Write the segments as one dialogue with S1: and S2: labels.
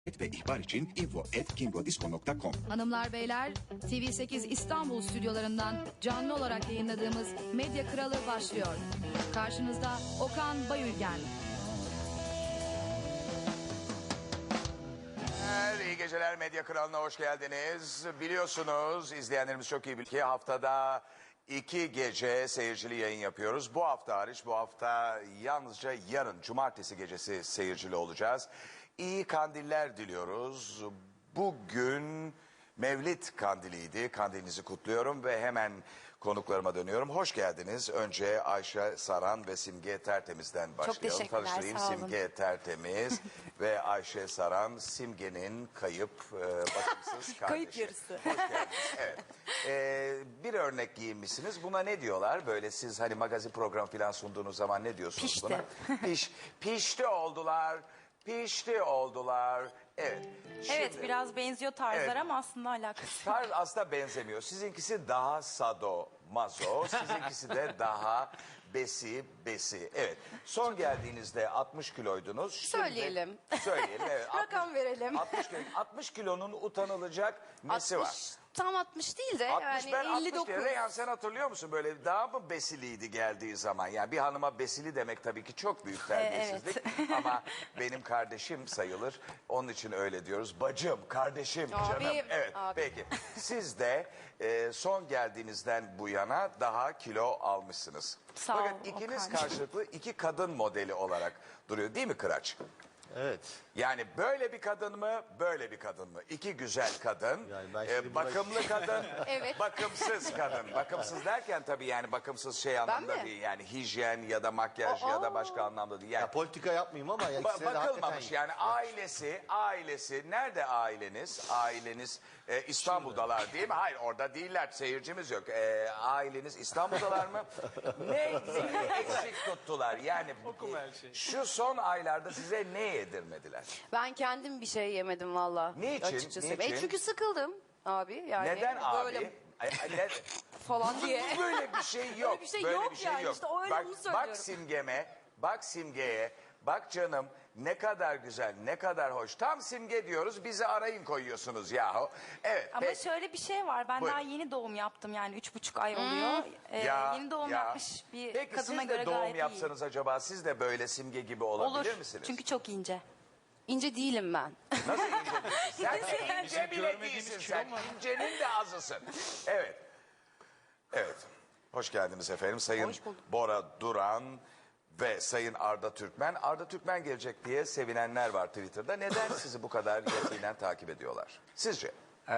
S1: ve ihbar için info@kingodisco.com.
S2: Hanımlar beyler, TV8 İstanbul stüdyolarından canlı olarak yayınladığımız Medya Kralı başlıyor. Karşınızda Okan Bayülgen.
S3: İyi geceler, Medya Kralı'na hoş geldiniz. Biliyorsunuz, izleyenlerimiz çok iyi bilir ki haftada 2 gece seyircili yayın yapıyoruz. Bu hafta hariç, bu hafta yalnızca yarın cumartesi gecesi seyircili olacağız. İyi kandiller diliyoruz. Bugün Mevlid kandiliydi. Kandilinizi kutluyorum ve hemen konuklarıma dönüyorum. Hoş geldiniz. Önce Ayşe Saran ve Simge Tertemiz'den başlayalım.
S4: Çok teşekkürler,
S3: Tanıştırayım.
S4: sağ olun.
S3: Simge Tertemiz ve Ayşe Saran, Simge'nin kayıp, bakımsız kardeşi.
S4: Kayıp yarısı.
S3: Hoş geldiniz. Evet. Bir örnek giyinmişsiniz. Buna ne diyorlar? Böyle siz hani magazin program falan sunduğunuz zaman ne diyorsunuz
S4: Pişti.
S3: buna? Pişti oldular. Pişti oldular. Evet.
S4: Evet,
S3: Şimdi-
S4: biraz benziyor tarzlar
S3: Evet.
S4: ama aslında alakası.
S3: Tarz aslında benzemiyor. Sizinkisi daha sado, mazo. Sizinkisi de daha besi. Evet. Son geldiğinizde 60 kiloydunuz. Şimdi-
S4: Söyleyelim.
S3: Söyleyelim, evet.
S4: Rakam verelim.
S3: 60 kilonun utanılacak nesi var?
S4: Tam 60 değil de
S3: 60 ben
S4: yani
S3: 60
S4: 59.
S3: diye. Reyhan sen hatırlıyor musun böyle daha mı besiliydi geldiği zaman? Yani bir hanıma besili demek tabii ki çok büyük terbiyesizlik. Ama benim kardeşim sayılır. Onun için öyle diyoruz. Bacım, kardeşim,
S4: Abi,
S3: canım. Evet
S4: abi.
S3: peki. Siz de son geldiğinizden bu yana daha kilo almışsınız.
S4: Sağ ol,
S3: Fakat ikiniz
S4: Okan.
S3: karşılıklı iki kadın modeli olarak duruyor değil mi Kıraç?
S5: Evet.
S3: Yani böyle bir kadın mı, böyle bir kadın mı? İki güzel kadın,
S5: Yani ben şimdi
S3: bakımlı kadın,
S4: Evet.
S3: bakımsız kadın. Bakımsız derken tabii yani bakımsız şey anlamda
S4: mi?
S3: değil. Yani hijyen ya da makyaj ya da başka anlamda değil. Yani
S5: Ya politika yapmayayım ama ya ikisine de
S3: bakılmamış
S5: hakikaten...
S3: yani ailesi nerede aileniz? Aileniz İstanbul'dalar değil mi? Hayır orada değiller, seyircimiz yok. Aileniz İstanbul'dalar mı? Neyi eksik tuttular? Yani şu son aylarda size ne yedirmediler?
S6: Ben kendim bir şey yemedim valla.
S3: Niçin?
S6: Açıkçası.
S3: Niçin?
S6: Çünkü sıkıldım abi. Yani
S3: Neden
S6: böyle
S3: abi? Ne-
S6: falan diye.
S3: Böyle bir şey yok.
S6: Öyle bir şey yok yani. İşte öyle
S3: bak,
S6: bunu söylüyorum.
S3: bak Simge'ye, bak canım ne kadar güzel, ne kadar hoş. Tam Simge diyoruz, bizi arayın koyuyorsunuz yahu. Evet.
S4: Ama
S3: peki.
S4: şöyle bir şey var. Ben
S3: Buyurun.
S4: daha yeni doğum yaptım yani 3,5 ay oluyor. Yeni doğum yapmış bir
S3: Peki
S4: kadına
S3: siz de
S4: göre
S3: doğum
S4: gayet
S3: yapsanız acaba siz de böyle Simge gibi
S4: iyi.
S3: olabilir
S4: Olur.
S3: misiniz?
S4: Çünkü çok ince.
S6: İnce değilim ben.
S3: Nasıl ince değilsin? Sen de ince bile değilsin sen. İncenin de azısın. Evet. Evet. Hoş geldiniz efendim. Sayın
S6: Hoş bulduk.
S3: Bora Duran ve Sayın Arda Türkmen. Arda Türkmen gelecek diye sevinenler var Twitter'da. Neden sizi bu kadar yakinen takip ediyorlar? Sizce?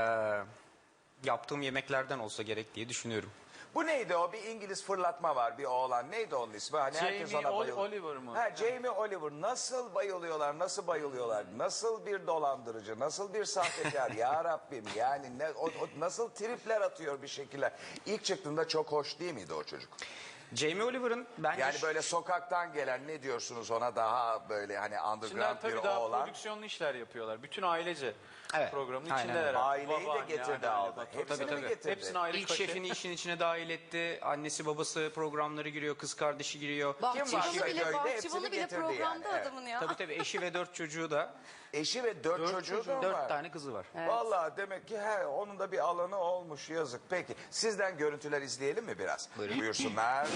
S7: Yaptığım yemeklerden olsa gerek diye düşünüyorum.
S3: Bu neydi o? Bir İngiliz fırlatma var bir oğlan. Neydi onun ismi? Hani herkes
S8: Jamie
S3: ona bayılıyor.
S8: Oliver mı?
S3: Ha, Jamie Oliver. Nasıl bayılıyorlar, nasıl bayılıyorlar? Nasıl bir dolandırıcı, nasıl bir sahtekar ya Rabbim. Yani o nasıl tripler atıyor bir şekilde. İlk çıktığında çok hoş değil miydi o çocuk?
S7: Jamie Oliver'ın bence
S3: Yani böyle sokaktan gelen ne diyorsunuz ona daha böyle hani
S8: Şimdiler
S3: underground bir
S8: tabii daha
S3: oğlan.
S8: prodüksiyonlu işler yapıyorlar. Bütün ailece
S7: Evet,
S8: programın
S7: aynen
S8: içindeler.
S7: öyle.
S8: artık.
S3: Aileyi de
S8: Babaanne,
S3: getirdi
S8: anneanne,
S3: aldı.
S8: baba.
S3: Hepsini
S7: Tabii,
S3: mi
S7: tabii.
S3: getirdi?
S8: Hepsini ayrı
S7: ilk
S8: kaşe.
S7: şefini işin içine dahil etti. Annesi babası programları giriyor, kız kardeşi giriyor.
S3: Kim var
S6: Bahçıvanı
S3: köyde?
S6: bile,
S3: Hepsini
S6: bahçıvanı bile
S3: getirdi
S6: programda
S3: yani, evet.
S6: adamın ya.
S7: Tabii eşi ve 4 çocuğu da.
S3: Eşi ve dört çocuğu da var.
S7: 4 tane kızı var.
S3: Vallahi demek ki onun da bir alanı olmuş yazık. Peki sizden görüntüler izleyelim mi biraz? Buyursunlar.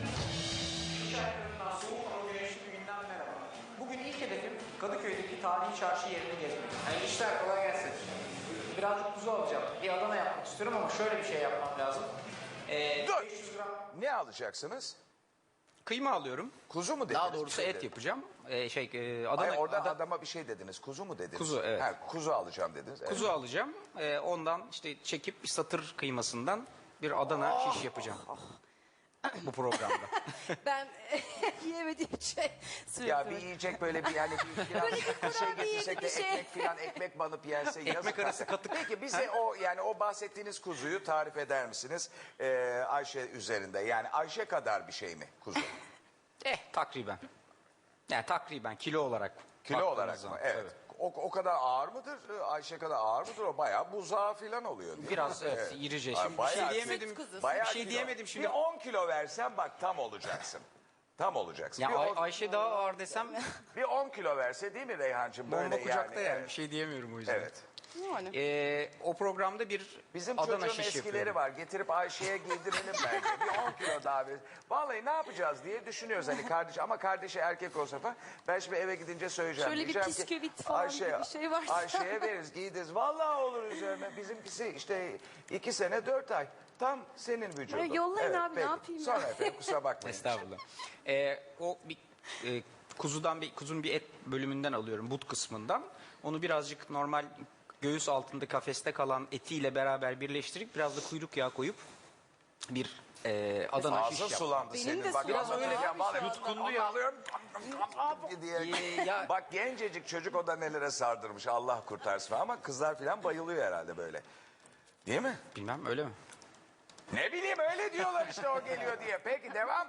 S9: Soğuk ama güneşli bir günden merhaba. Bugün ilk hedefim Kadıköy'deki tarihi çarşı yerini gezmek. Yani işler kolay gelsin. Birazcık kuzu alacağım. Bir Adana yapmak istiyorum ama şöyle bir şey yapmam lazım.
S3: Dur.
S9: 500 gram
S3: Ne alacaksınız?
S7: Kıyma alıyorum.
S3: Kuzu mu dediniz?
S7: Daha doğrusu
S3: Bir şey
S7: et
S3: dediniz.
S7: yapacağım.
S3: Hayır,
S7: Adana,
S3: orada adama bir şey dediniz. Kuzu mu dediniz?
S7: Kuzu, evet.
S3: Ha, kuzu alacağım dediniz. Evet.
S7: kuzu alacağım. Ondan işte çekip bir satır kıymasından bir Adana şiş yapacağım. Bu programda.
S6: Ben yiyemediğim şey sürekli.
S3: Ya bir yiyecek böyle bir yani bir şey getirsek de
S6: bir şey.
S3: ekmek filan ekmek banıp yense yazık.
S7: arası katık.
S3: Peki bize o yani o bahsettiğiniz kuzuyu tarif eder misiniz? Ayşe üzerinde yani Ayşe kadar bir şey mi kuzu?
S7: Takriben. Yani takriben kilo olarak.
S3: Kilo
S7: baktığınız
S3: olarak mı?
S7: zaman,
S3: Evet.
S7: tabii.
S3: O kadar ağır mıdır? Ayşe kadar ağır mıdır? O bayağı buzağı filan oluyor değil
S7: Biraz
S3: mi?
S7: evet, irice.
S3: Ay,
S7: Şimdi bir şey
S3: bayağı
S7: diyemedim.
S6: Süt kuzusu.
S3: Bayağı
S7: Bir şey
S3: kilo.
S7: diyemedim şimdi.
S3: Bir 10 kilo versen bak tam olacaksın. Tam olacaksın.
S7: Ya
S3: bir, on,
S7: Ayşe daha ağır desem
S3: bir 10 kilo verse değil mi Reyhancığım?
S7: bomba
S3: Böyle
S7: kucakta yani.
S3: evet.
S7: Bir şey diyemiyorum o yüzden.
S3: Evet.
S7: O programda bir
S3: Bizim
S7: Adana
S3: çocuğun
S7: şiş
S3: eskileri
S7: yapıyorum.
S3: var. Getirip Ayşe'ye giydirelim bence. Bir 10 kilo daha ver. Vallahi ne yapacağız diye düşünüyoruz hani kardeş. Ama kardeşi erkek olsa falan. Ben şimdi eve gidince söyleyeceğim.
S6: Şöyle bir
S3: Diyeceğim ki,
S6: bisküvit falan gibi bir şey varsa.
S3: Ayşe'ye veririz giydiririz. Vallahi olur üzerine. Bizimkisi işte 2 sene 4 ay. Tam senin vücudun.
S6: Ya yollayın abi, ne
S3: peki.
S6: yapayım ben?
S3: Sonra efendim kusura bakmayın.
S7: Estağfurullah. O bir kuzun bir et bölümünden alıyorum, but kısmından. Onu birazcık normal göğüs altında kafeste kalan etiyle beraber birleştirip biraz da kuyruk yağı koyup bir Adana şiş
S3: Ağzın
S7: yaptım.
S3: sulandı
S6: Benim
S3: senin.
S6: de
S3: Bak,
S6: sulandı
S3: anlatırken
S6: abi
S3: vallahi
S6: şu anda.
S3: yutkundu ya. Alıyorum. diye.
S7: Ya-
S3: Bak gencecik çocuk o da nelere sardırmış. Allah kurtarsın. Ama kızlar falan bayılıyor herhalde böyle. Değil mi?
S7: Bilmem öyle mi?
S3: Ne bileyim öyle diyorlar işte o geliyor diye. Peki devam.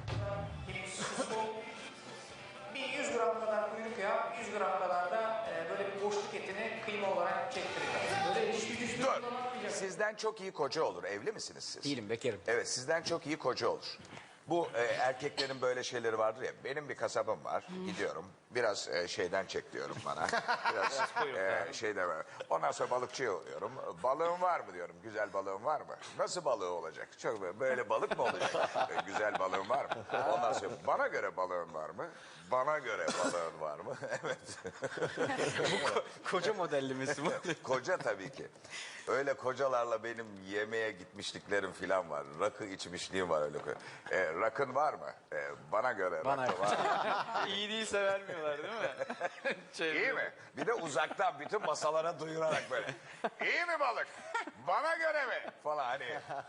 S9: Bir 100 gram kadar kuyruk yağı, 100 gram kadar da böyle bir boşluk etini kıyma olarak çektireceğim. Böyle dişli güçlü
S3: Dur. Sizden çok iyi koca olur. Evli misiniz siz?
S7: Değilim, bekarım.
S3: Evet sizden çok iyi koca olur. Bu erkeklerin böyle şeyleri vardır ya. Benim bir kasabım var. Gidiyorum. Biraz şeyden çek diyorum bana. Biraz şeyden var. Ondan sonra balıkçıya oluyorum. Balığın var mı diyorum. Güzel balığın var mı? Nasıl balığı olacak? Çok böyle balık mı olacak? Güzel balığın var mı? Ondan sonra bana göre balığın var mı? Bana göre balığın var mı? Evet.
S7: Koca modellemesi bu.
S3: Koca tabii ki. Öyle kocalarla benim yemeğe gitmişliklerim filan var. Rakı içmişliğim var öyle. Rakın var mı? Bana göre
S7: Bana
S3: rakı var.
S8: İyi değilse vermiyorlar değil mi?
S3: İyi mi? Bir de uzaktan bütün masalara duyurarak böyle. İyi mi balık? Bana göre mi? Falan hani.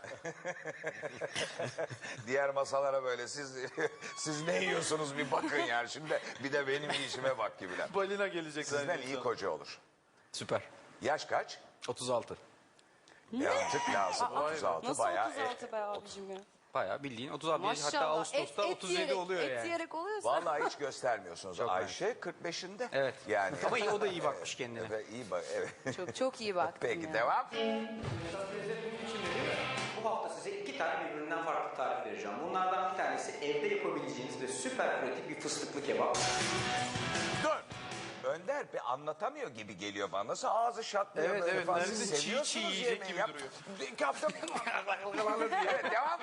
S3: Diğer masalara böyle siz ne yiyorsunuz bir bakın yani. Şimdi bir de benim işime bak gibiler.
S8: Balina gelecek
S3: Sizden
S8: zannediyorum.
S3: iyi koca olur.
S7: Süper.
S3: Yaş kaç?
S7: 36.
S3: Birazcık lazım. 36
S6: Nasıl
S3: bayağı.
S6: 36 be abicim ya?
S7: Bayağı bildiğin 36. Hatta
S6: Maşallah.
S7: Ağustos'ta 37 oluyor
S6: et
S7: yani.
S6: yiyerek oluyorsa.
S3: Vallahi hiç göstermiyorsunuz.
S7: Çok
S3: Ayşe 45'inde.
S7: Evet.
S3: Yani.
S7: Ama o da iyi bakmış kendine.
S3: Evet, iyi bak. Evet.
S6: Çok çok iyi baktım
S3: Peki
S6: ya.
S3: devam.
S10: Bu hafta size 2 tane birbirinden farklı tarif vereceğim. Bunlardan bir tanesi evde yapabileceğiniz ve süper pratik bir fıstıklı kebap.
S3: Dur. Önder bir anlatamıyor gibi geliyor bana. Nasıl ağzı şatlıyor
S8: Evet,
S3: böyle
S8: evet.
S3: falan.
S8: Neredeyse
S3: Siz
S8: çiğ
S3: seviyorsunuz
S8: çiğ yiyecek
S3: yemeği.
S8: gibi
S3: Yap.
S8: duruyor.
S3: İki hafta... evet devam.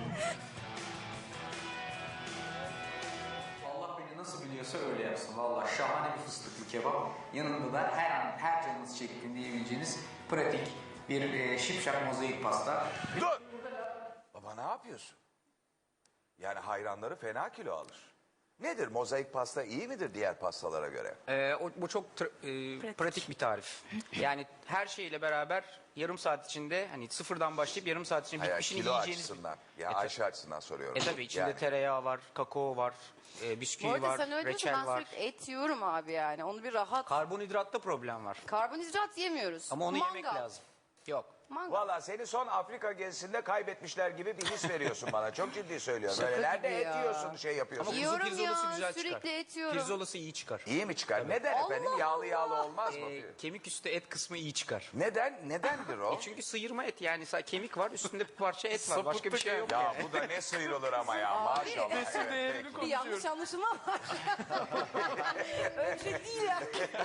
S10: Allah beni nasıl biliyorsa öyle yapsın. Valla şahane bir fıstıklı kebap. Yanında da her an her canınız çektiğinde yiyebileceğiniz pratik bir şipşak mozaik pasta.
S3: Dur. Baba ne yapıyorsun? Yani hayranları fena kilo alır. Nedir mozaik pasta iyi midir diğer pastalara göre?
S7: Bu çok pratik bir tarif. Yani her şeyle beraber yarım saat içinde hani sıfırdan başlayıp yarım saat içinde
S3: Hayır,
S7: bitmişini
S3: kilo
S7: yiyeceğiniz.
S3: açısından. Ya
S7: tabii.
S3: Ayşe açısından soruyorum.
S7: Tabii içinde
S3: Yani.
S7: tereyağı var, kakao var,
S6: Bu
S7: bisküvi
S6: arada
S7: var,
S6: sen öyle diyorsun,
S7: reçel
S6: ben
S7: var.
S6: sürekli et yiyorum abi yani. Onu bir rahat.
S7: Karbonhidratta problem var.
S6: Karbonhidrat yemiyoruz.
S7: Ama onu
S6: Mangal.
S7: yemek lazım. Yok.
S6: Mangal.
S3: Valla seni son Afrika gezisinde kaybetmişler gibi bir his veriyorsun bana. Çok ciddi söylüyorum.
S6: Şaka
S3: Böyle nerede
S6: gibi
S3: et
S6: ya.
S3: yiyorsun şey yapıyorsun.
S7: Ama
S6: Yiyorum
S7: kuzu pirzolası
S6: ya,
S7: güzel
S6: sürekli
S7: çıkar.
S6: et yiyorum.
S7: Pirzolası iyi çıkar.
S3: İyi mi çıkar? Neden efendim? Yağlı yağlı olmaz mı?
S7: Kemik üstü et kısmı iyi çıkar.
S3: Neden? Nedendir o?
S7: Çünkü sıyırma et yani kemik var üstünde bir parça et var. Başka bir şey yok.
S3: Ya bu da ne sıyrılır ama ya maşallah. Evet, peki.
S6: Bir yanlış anlaşılma var. Öyle bir şey değil ya.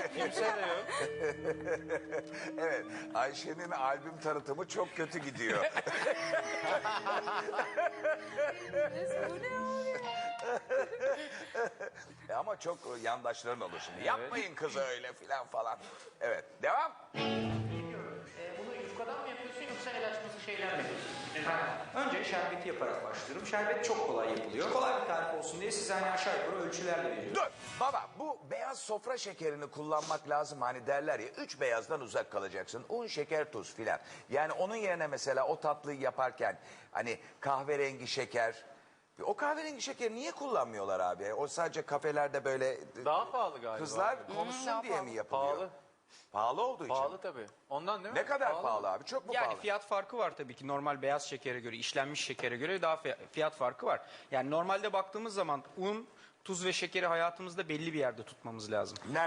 S3: Evet, Ayşe'nin albüm tanıtımı çok kötü gidiyor.
S6: Bu ne abi?
S3: Ama çok yandaşların olur şimdi. Yapmayın kızı öyle filan falan. Evet, devam.
S9: Bunu yufkadan mı yapıyorsun yoksa el açması şeyler mi yapıyorsun?
S10: Önce şerbeti yaparak başlıyorum. Şerbet çok kolay yapılıyor. Kolay bir tarif olsun diye size hani aşağı yukarı ölçülerle veriyorum.
S3: Dur baba bu beyaz sofra şekerini kullanmak lazım. Hani derler ya 3 beyazdan uzak kalacaksın. Un, şeker, tuz filan. Yani onun yerine mesela o tatlıyı yaparken hani kahverengi şeker... O kahverengi şekeri niye kullanmıyorlar abi? O sadece kafelerde böyle
S8: Daha pahalı galiba.
S3: kızlar konuşsun diye mi yapılıyor?
S8: Pahalı.
S3: Pahalı olduğu için.
S8: Pahalı tabii. Ondan değil mi?
S3: Ne kadar pahalı abi? Çok mu
S7: Yani
S3: pahalı?
S7: fiyat farkı var tabii ki normal beyaz şekere göre, işlenmiş şekere göre daha fiyat farkı var. Yani normalde baktığımız zaman un, tuz ve şekeri hayatımızda belli bir yerde tutmamız lazım.
S3: Nerede?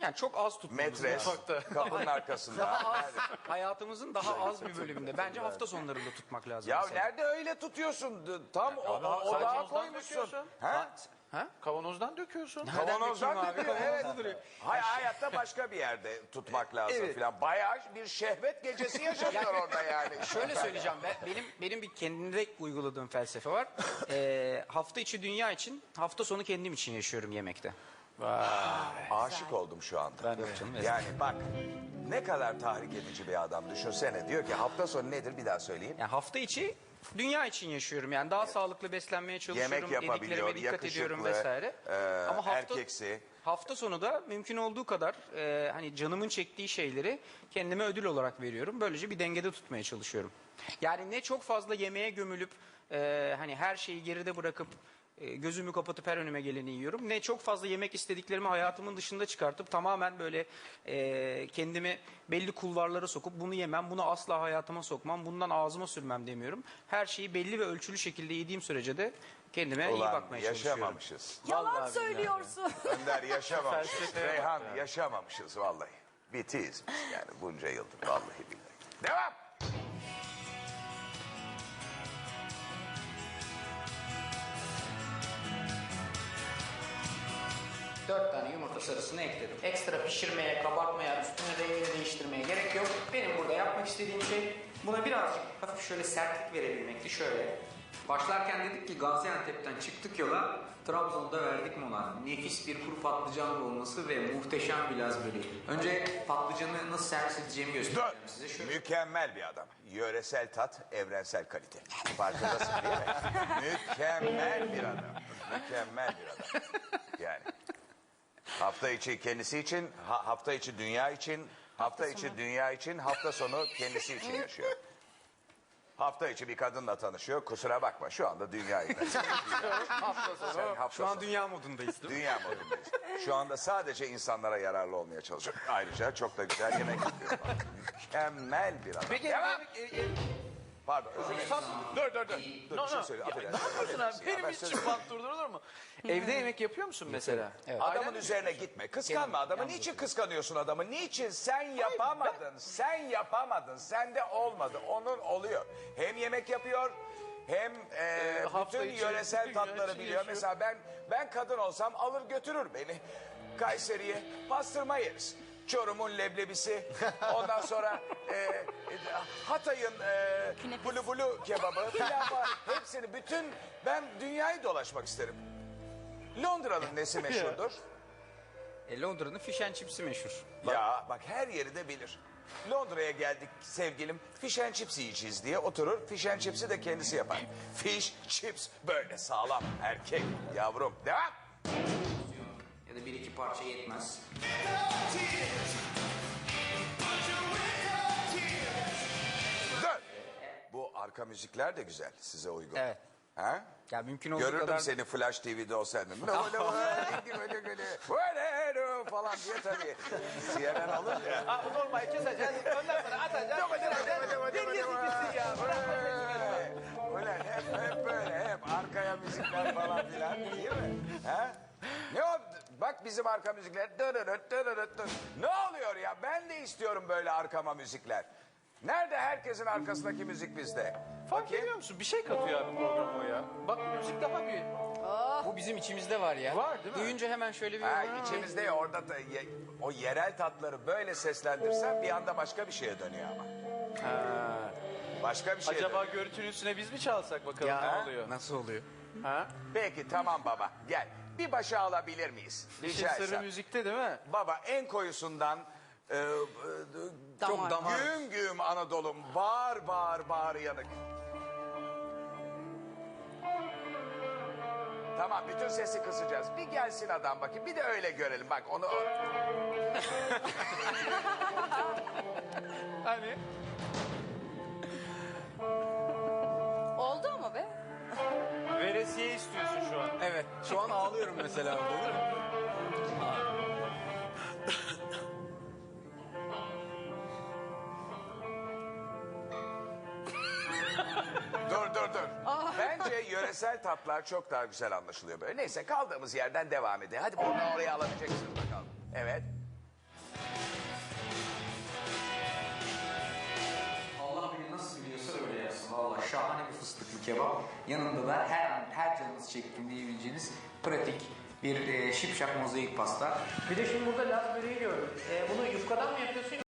S7: Yani çok az tutmamız
S3: Metres,
S7: lazım.
S3: kapının arkasında.
S7: Daha az, hayatımızın daha az bir bölümünde. Bence hafta sonlarında tutmak lazım.
S3: Ya
S7: mesela.
S3: nerede öyle tutuyorsun? Tam odağa koymuşsun. Ha?
S8: Kavanozdan döküyorsun.
S3: Kavanozdan
S7: Nereden
S3: döküyor,
S7: dökeyim abi?
S3: evet.
S7: Kavanozda duruyor.
S3: Hayatta başka bir yerde tutmak lazım
S7: Evet.
S3: filan. Bayağı bir şehvet gecesi yaşanıyor orada yani.
S7: Şöyle söyleyeceğim, benim bir kendimde uyguladığım felsefe var. Hafta içi dünya için, hafta sonu kendim için yaşıyorum yemekte.
S3: Aşık oldum şu anda. Yani bak ne kadar tahrik edici bir adam, düşünsene. Diyor ki hafta sonu nedir, bir daha söyleyeyim.
S7: Yani hafta içi dünya için yaşıyorum. Yani daha sağlıklı beslenmeye çalışıyorum.
S3: Yemek yapabiliyor,
S7: Yediklerime dikkat ediyorum
S3: yakışıklı,
S7: vesaire. Ama
S3: erkeksi.
S7: hafta sonu da mümkün olduğu kadar hani canımın çektiği şeyleri kendime ödül olarak veriyorum. Böylece bir dengede tutmaya çalışıyorum. Yani ne çok fazla yemeğe gömülüp hani her şeyi geride bırakıp gözümü kapatıp her önüme geleni yiyorum. Ne çok fazla yemek istediklerimi hayatımın dışında çıkartıp tamamen böyle kendimi belli kulvarlara sokup bunu yemem, bunu asla hayatıma sokmam, bundan ağzıma sürmem demiyorum. Her şeyi belli ve ölçülü şekilde yediğim sürece de kendime iyi
S3: Ulan
S7: bakmaya çalışıyorum.
S3: yaşamamışız.
S4: Yalan söylüyorsun.
S3: Önder yaşamamışız. Reyhan yaşamamışız vallahi. Bitiyiz biz yani bunca yıldır vallahi billahi. Devam.
S9: Dört tane yumurta sarısını ekledim. Ekstra pişirmeye, kabartmaya, üstüne rengini değiştirmeye gerek yok. Benim burada yapmak istediğim şey buna birazcık hafif şöyle sertlik verebilmekti. Şöyle.
S10: Başlarken dedik ki Gaziantep'ten çıktık yola, Trabzon'da verdik mola. Nefis bir kuru patlıcan olması ve muhteşem bir Laz böreği. Önce patlıcanı nasıl servis edeceğimi göstereceğim size. Şöyle.
S3: Mükemmel bir adam. Yöresel tat, evrensel kalite. Farkındasın değil mi? Mükemmel bir adam. Mükemmel bir adam. Yani. Hafta içi kendisi için, hafta içi dünya için, hafta içi dünya için, hafta sonu kendisi için yaşıyor. Hafta içi bir kadınla tanışıyor. Kusura bakma şu anda dünyayı.
S8: Hafta sonu.
S7: Şu an dünya modundayız değil mi?
S3: Dünya modundayız. Şu anda sadece insanlara yararlı olmaya çalışıyor. Ayrıca çok da güzel yemek yapıyor. Mükemmel bir adam.
S8: Peki
S3: Devam. Pardon. Özür dilerim. Dur. Dur bir şey söyle.
S8: Ne yapıyorsun abi? Benim için bant durdurulur mu? Evde yemek yapıyor musun mesela? Evet.
S3: Adamın üzerine gitme. Kıskanma adamı. Niçin kıskanıyorsun adamı? Niçin? Sen yapamadın. Sen yapamadın. Sende olmadı. Onun oluyor. Hem yemek yapıyor hem
S8: Hafta
S3: bütün
S8: içi,
S3: yöresel
S8: bütün
S3: tatları
S8: gün
S3: biliyor.
S8: yaşıyor.
S3: Mesela ben kadın olsam alır götürür beni. Kayseri'ye pastırma yeriz. Çorum'un leblebisi. Ondan sonra Hatay'ın bulu bulu kebabı falan var. Hepsini ben dünyayı dolaşmak isterim. Londra'nın nesi meşhurdur?
S7: Londra'nın fish and chips'i meşhur.
S3: Ya bak her yeri de bilir. Londra'ya geldik sevgilim fish and chips yiyeceğiz diye oturur. Fish and chips'i de kendisi yapar. Fish, chips böyle sağlam erkek yavrum. Devam.
S10: Ya da bir iki parça yetmez.
S3: Dön. Bu arka müzikler de güzel size uygun.
S7: Evet.
S3: Ha?
S7: Ya mümkün olduğu
S3: Görürdüm
S7: kadar...
S3: seni Flash TV'de olsaydın. Falan diye tabii. CNN alınca.
S8: Normal keseceğiz. Ondan sonra atacağız.
S3: Ulan hep böyle hep arkaya müzikler falan filan değil mi? Ha? Ne o? Bak bizim arka müzikler. Ne oluyor ya? Ben de istiyorum böyle arkama müzikler. Nerede herkesin arkasındaki müzik bizde?
S8: Fark ediyor musun? Bir şey katıyor abi programa o ya. Bak müzik daha bir...
S7: Bu bizim içimizde var ya.
S8: Var değil mi?
S7: Duyunca hemen şöyle bir...
S3: Ha, içimizde ya, orada da o yerel tatları böyle seslendirsen bir anda başka bir şeye dönüyor ama. Başka bir şeye
S8: Acaba
S3: dönüyor.
S8: görüntünün üstüne biz mi çalsak bakalım ne oluyor?
S7: Nasıl oluyor?
S8: Ha?
S3: Peki tamam baba gel. Bir başa alabilir miyiz?
S8: İşin
S3: Rica
S8: sırrı
S3: etsem.
S8: müzikte değil mi?
S3: Baba en koyusundan
S7: Çok damar.
S3: güm güm Anadolu'm bağır bağır bağır yanık. Tamam bütün sesi kısacağız. Bir gelsin adam bakayım. Bir de öyle görelim. Bak onu...
S8: Hani?
S4: Oldu ama be.
S8: Veresiye istiyorsun şu an.
S7: Evet. Şu an ağlıyorum mesela. Olur mu?
S3: Dur. Bence yöresel tatlar çok daha güzel anlaşılıyor böyle. Neyse kaldığımız yerden devam edelim. Hadi buradan oraya alabileceksin bakalım. Evet.
S10: kebap. Yanında da her an her canınız çektiğinde yiyebileceğiniz pratik bir şipşak mozaik pasta.
S9: Bir de şimdi burada Laz böreği gördüm. Bunu yufkadan mı yapıyorsun?